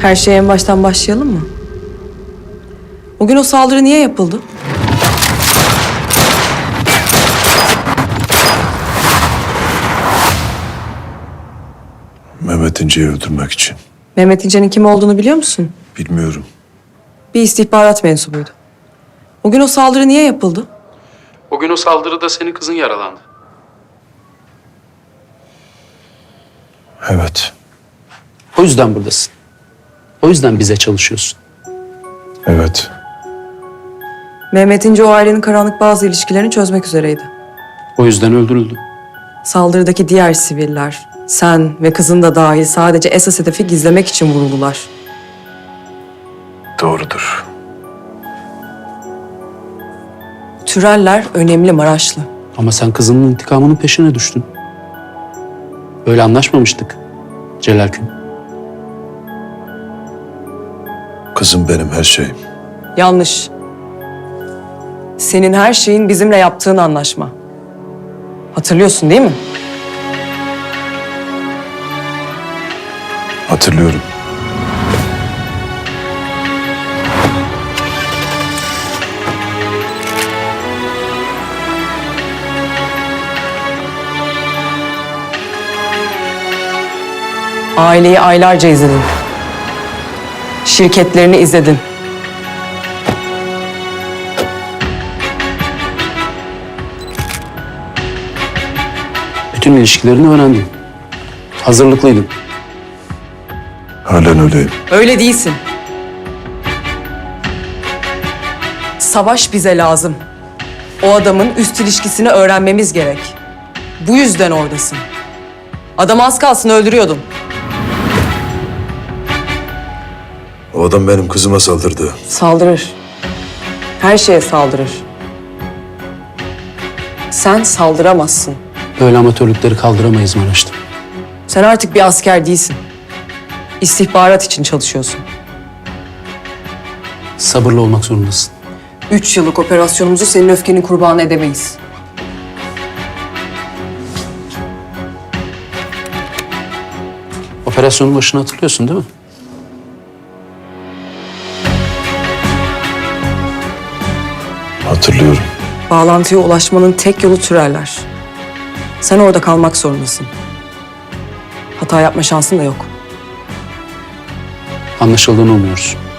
Her şeye en baştan başlayalım mı? O gün o saldırı niye yapıldı? Mehmet İnce'yi öldürmek için. Mehmet İnce'nin kim olduğunu biliyor musun? Bilmiyorum. Bir istihbarat mensubuydu. O gün o saldırı niye yapıldı? O gün o saldırıda senin kızın yaralandı. Evet. O yüzden buradasın. O yüzden bize çalışıyorsun. Evet. Mehmet İnce o ailenin karanlık bazı ilişkilerini çözmek üzereydi. O yüzden öldürüldü. Saldırıdaki diğer siviller, sen ve kızın da dahil sadece esas hedefi gizlemek için vuruldular. Doğrudur. Türeller önemli Maraşlı. Ama sen kızının intikamının peşine düştün. Böyle anlaşmamıştık Celal Gün. Kızım benim her şeyim. Yanlış. Senin her şeyin bizimle yaptığın anlaşma. Hatırlıyorsun değil mi? Hatırlıyorum. Aileyi aylarca izledin. Şirketlerini izledin. Bütün ilişkilerini öğrendin. Hazırlıklıydın. Halen öyleyim. Öyle değilsin. Savaş bize lazım. O adamın üst ilişkisini öğrenmemiz gerek. Bu yüzden oradasın. Adamı az kalsın öldürüyordun. O adam benim kızıma saldırdı. Saldırır. Her şeye saldırır. Sen saldıramazsın. Böyle amatörlükleri kaldıramayız Maraş'ta. Sen artık bir asker değilsin. İstihbarat için çalışıyorsun. Sabırlı olmak zorundasın. 3 yıllık operasyonumuzu senin öfkenin kurbanı edemeyiz. Operasyonun başını hatırlıyorsun değil mi? Hatırlıyorum. Bağlantıya ulaşmanın tek yolu Türeller. Sen orada kalmak zorundasın. Hata yapma şansın da yok. Anlaşıldığını umuyoruz.